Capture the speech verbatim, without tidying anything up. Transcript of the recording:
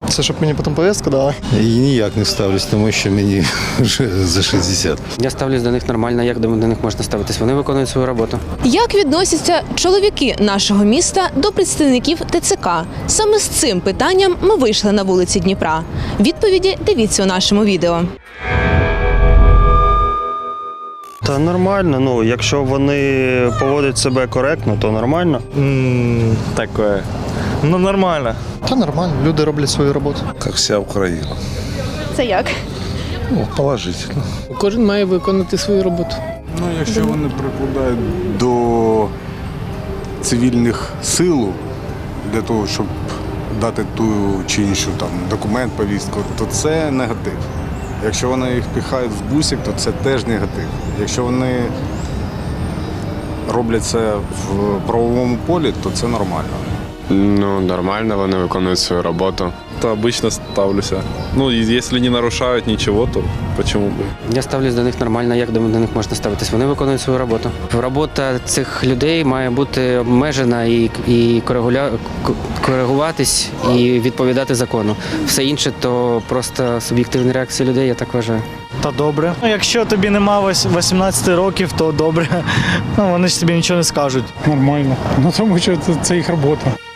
Це щоб мені потім повістку дали? І ніяк не ставлюсь, тому що мені вже за шістдесят. Я ставлюсь до них нормально, як до них можна ставитись. Вони виконують свою роботу. Як відносяться чоловіки нашого міста до представників Те Це Ка? Саме з цим питанням ми вийшли на вулиці Дніпра. Відповіді дивіться у нашому відео. Та нормально, ну, якщо вони поводять себе коректно, то нормально. М, Такое. Ну, нормально. Та нормально, люди роблять свою роботу. Як вся Україна. Це як? Ну, положительно. Кожен має виконати свою роботу. Ну, якщо вони прикладають до цивільних сил для того, щоб дати ту чи іншу там документ, повістку, то це негатив. Якщо вони їх пихають в бусик, то це теж негатив. Якщо вони роблять це в правовому полі, то це нормально. Ну, нормально, вони виконують свою роботу. То обычно ставлюся. Ну, і якщо не нарушають нічого, то почему бы? Я ставлюсь до них нормально, як до них можна ставитись. Вони виконують свою роботу. Робота цих людей має бути обмежена і, і коригуля... коригуватись і відповідати закону. Все інше то просто суб'єктивні реакції людей, я так вважаю. Та добре. Ну, якщо тобі нема вісімнадцяти років, то добре. Ну, вони ж тобі нічого не скажуть. Нормально. Ну тому що це, це їх робота.